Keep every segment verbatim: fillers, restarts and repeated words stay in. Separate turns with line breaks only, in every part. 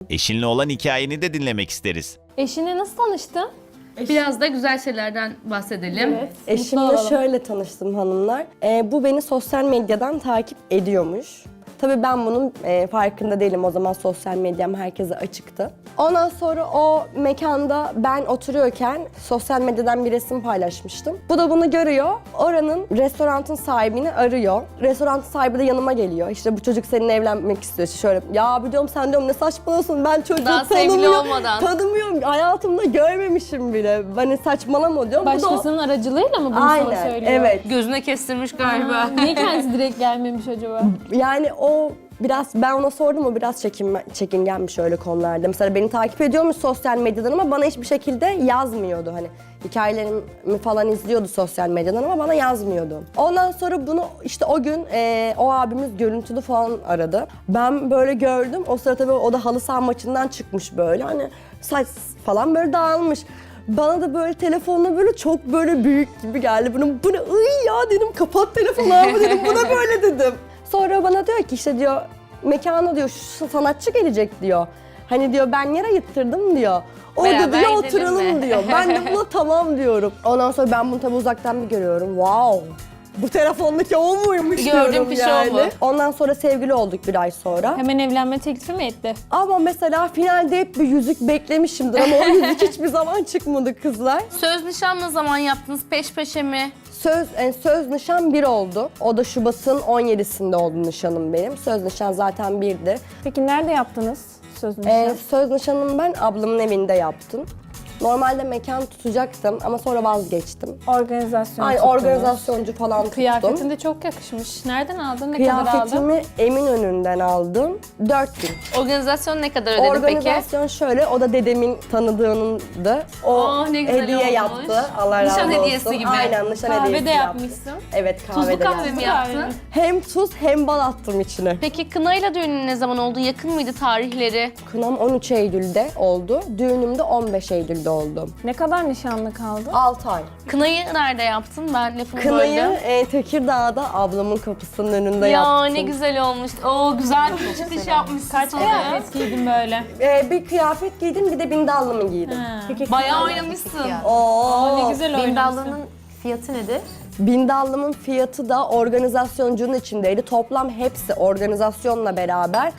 Eşinle olan hikayeni de dinlemek isteriz.
Eşinle nasıl tanıştın?
Biraz da güzel şeylerden bahsedelim.
Evet.
Eşimle şöyle tanıştım hanımlar. Ee, bu beni sosyal medyadan takip ediyormuş. Tabii ben bunun e, farkında değilim. O zaman sosyal medyam herkese açıktı. Ondan sonra o mekanda ben oturuyorken sosyal medyadan bir resim paylaşmıştım. Bu da bunu görüyor. Oranın restoranın sahibini arıyor. Restoranın sahibi de yanıma geliyor. İşte bu çocuk seninle evlenmek istiyor. İşte şöyle ya biliyorum sen diyorum ne saçmalıyorsun ben çocuğu
Daha sevgili
tanımıyorum.
olmadan.
Tanımıyorum. Hayatımda görmemişim bile. Hani saçmalama diyorum. Bu da o-
Başkasının aracılığıyla mı bunu sana
Aynen,
söylüyor?
evet.
Gözüne kestirmiş galiba.
Niye kendisi direkt gelmemiş acaba?
Yani o biraz, ben ona sordum, o biraz çekinme, çekingenmiş öyle konularda. Mesela beni takip ediyormuş sosyal medyadan ama bana hiçbir şekilde yazmıyordu. Hani hikayelerimi falan izliyordu sosyal medyadan ama bana yazmıyordu. Ondan sonra bunu işte o gün e, o abimiz görüntülü falan aradı. Ben böyle gördüm. O sırada tabii o da halı saha maçından çıkmış böyle. Hani saç falan böyle dağılmış. Bana da böyle telefonla böyle çok böyle büyük gibi geldi. Bunu, bu ne ıy ya dedim, kapat telefonu abi dedim, bu da böyle dedim. Sonra bana diyor ki işte diyor mekana diyor şu sanatçı gelecek diyor. Hani diyor ben yer ayıttırdım diyor. Orada
Beraber
diyor
gidelim
oturalım
mi?
diyor. Ben de buna tamam diyorum. Ondan sonra ben bunu tabii uzaktan bir görüyorum. Wow! Bu telefondaki o muymuş
Gördüğüm
diyorum
kişi o
yani.
mu?
Ondan sonra sevgili olduk bir ay sonra.
Hemen evlenme teklifi mi etti?
Ama mesela finalde hep bir yüzük beklemişimdir ama o yüzük hiçbir zaman çıkmadı kızlar.
Söz nişan ne zaman yaptınız? Peş peşe mi?
Söz e, söz nişan bir oldu. O da Şubat'ın on yedisinde oldu nişanım benim. Söz nişan zaten birdi.
Peki nerede yaptınız söz nişan?
Ee, söz nişanımı ben ablamın evinde yaptım. Normalde mekan tutacaktım ama sonra vazgeçtim.
Organizasyon
Ay
tuttunuz.
organizasyoncu falan tuttum.
Kıyafetin de çok yakışmış. Nereden aldın? Ne kadar aldın?
Kıyafetimi Eminönü'nden aldım. dört bin.
Organizasyon ne kadar ödedi peki?
Organizasyon şöyle, o da dedemin tanıdığınındı. O
Aa, ne güzel
hediye
olmuş.
yaptı. Allah razı
Nişan
olsun.
hediyesi gibi.
Aynen, nişan
Kahve
hediyesi
de
yaptı.
yapmışsın.
Evet, kahve
Tuzlu
de
kahve
yaptım.
mi
Kahve
yaptın?
mi?
Hem tuz hem bal attım içine.
Peki kınayla düğünün ne zaman oldu? Yakın mıydı tarihleri?
Kınam on üç Eylül'de oldu. Düğünüm de on beş Eylül'de oldu.
Ne kadar nişanlı kaldı?
altı ay.
Kınayı nerede yaptın? Ben lafımı
Kınayı
böldüm.
e, Tekirdağ'da ablamın kapısının önünde
Ya
yaptım.
ne güzel olmuş. Oo güzel bir çıkış yapmışsın.
Kaç
sana.
kıyafet giydin böyle?
E, bir kıyafet giydim, bir de bindallımı giydim.
Ha.
Bayağı oynamışsın.
Oo.
Ne güzel oynamışsın.
Bindallının fiyatı nedir?
Bindallımın fiyatı da organizasyoncunun içindeydi. Toplam hepsi organizasyonla beraber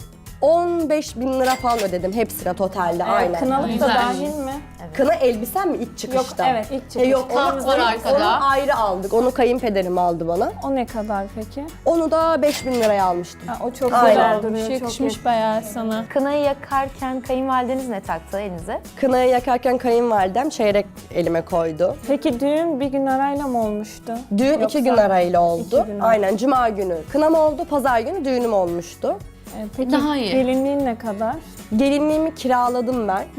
on beş bin lira falan ödedim hepsine totalde, aynen.
Kınalık da
Güzel.
dahil mi?
Kına elbisem mi ilk çıkışta?
evet, ilk çıkışta.
E, yok,
Tat
onu,
var
onu-
arkada.
onu ayrı aldık. Onu kayınpederim aldı bana.
O ne kadar peki?
Onu da beş bin liraya almıştım.
Ha, o çok
Aynen.
güzel duruyor. Yakışmış bayağı sana.
Kınayı yakarken kayınvalideniz ne taktı elinize?
Kınayı yakarken kayınvalidem çeyrek elime koydu.
Peki düğün bir gün arayla mı olmuştu?
Düğün
Yoksa-
iki gün arayla oldu.
İki gün arayla.
Aynen, cuma günü kınam oldu, pazar günü düğünüm olmuştu.
Ee, Peki
Daha iyi.
gelinliğin ne kadar?
Gelinliğimi kiraladım ben.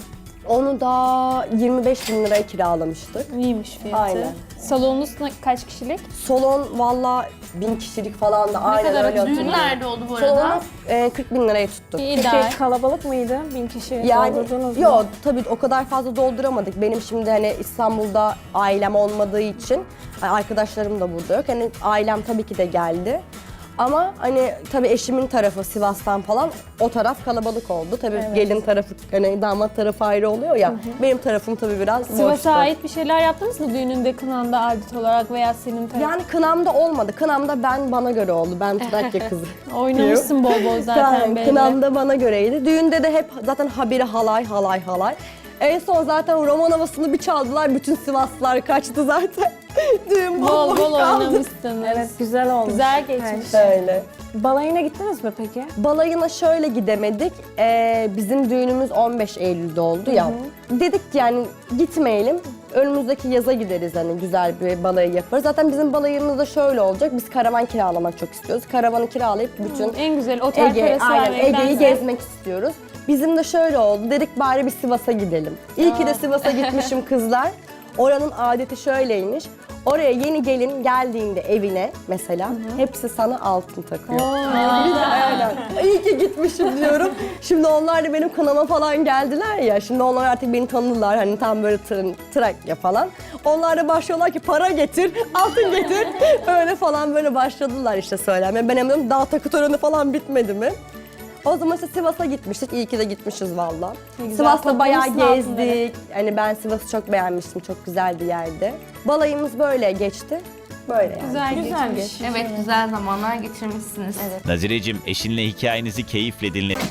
Onu da yirmi beş bin liraya kiralamıştık.
İyiymiş fiyatı.
Aynen.
Salonunuz ne- kaç kişilik?
Salon valla bin kişilik falan da aynen
kadar
öyle
düğün
Düğün
hatırlıyorum.
nerede oldu bu
Salonu
arada?
e, kırk bin liraya tuttuk.
İyi
Peki,
Peki kalabalık mıydı? Bin kişi
Yani
doldurdunuz mu?
yok tabii o kadar fazla dolduramadık. Benim şimdi hani İstanbul'da ailem olmadığı için hani arkadaşlarım da burada yok. Hani ailem tabii ki de geldi. Ama hani tabii eşimin tarafı Sivas'tan falan o taraf kalabalık oldu. Tabii
Evet.
gelin tarafı hani damat tarafı ayrı oluyor ya. Benim tarafım tabii biraz boştu.
Sivas'a ait bir şeyler yaptınız mı düğününde, kınanda adet olarak veya senin tarafın?
Yani kınamda olmadı. Kınamda ben bana göre oldu. Ben Trakya kızı.
Oynamışsın bol bol zaten
Yani
belli.
kınamda bana göreydi. Düğünde de hep zaten habire halay halay halay. En son zaten roman havasını bir çaldılar. Bütün Sivaslılar kaçtı zaten. Düğün
Bol
bomboş
bol
kaldı.
oynamışsınız.
Evet, güzel olmuş.
Güzel geçmiş.
Öyle.
Balayına gittiniz mi peki?
Balayına şöyle gidemedik. Ee, bizim düğünümüz on beş Eylül'de oldu ya. Dedik ki yani gitmeyelim. Önümüzdeki yaza gideriz hani güzel bir balayı yaparız. Zaten bizim balayımız da şöyle olacak. Biz karavan kiralamak çok istiyoruz. Karavanı kiralayıp bütün
En güzel otel
Ege,
parası
aynen Ege'yi
vermektense-
gezmek istiyoruz. Bizim de şöyle oldu. Dedik bari bir Sivas'a gidelim. İyi ki de Sivas'a gitmişim kızlar. Oranın adeti şöyleymiş. Oraya yeni gelin geldiğinde evine mesela hepsi sana altın takıyor. Aynen. İyi ki gitmişim diyorum. Şimdi onlar da benim kınama falan geldiler ya. Şimdi onlar artık beni tanıdılar. Hani tam böyle tır, Trakya falan. Onlar da başlıyorlar ki para getir, altın getir. Öyle falan böyle başladılar işte söylemeye. Ben hemen daha takı töreni falan bitmedi mi? O zaman işte Sivas'a gitmiştik. İyi ki de gitmişiz valla.
Ne güzel,
Sivas'ta bayağı
toplamışsın altınları.
gezdik. Yani ben Sivas'ı çok beğenmiştim. Çok güzel bir yerdi. Balayımız böyle geçti. Böyle yani.
Güzel,
Güzel
geçmiş.
Evet, güzel zamanlar geçirmişsiniz.
Nazireciğim, eşinle hikayenizi keyifle dinle.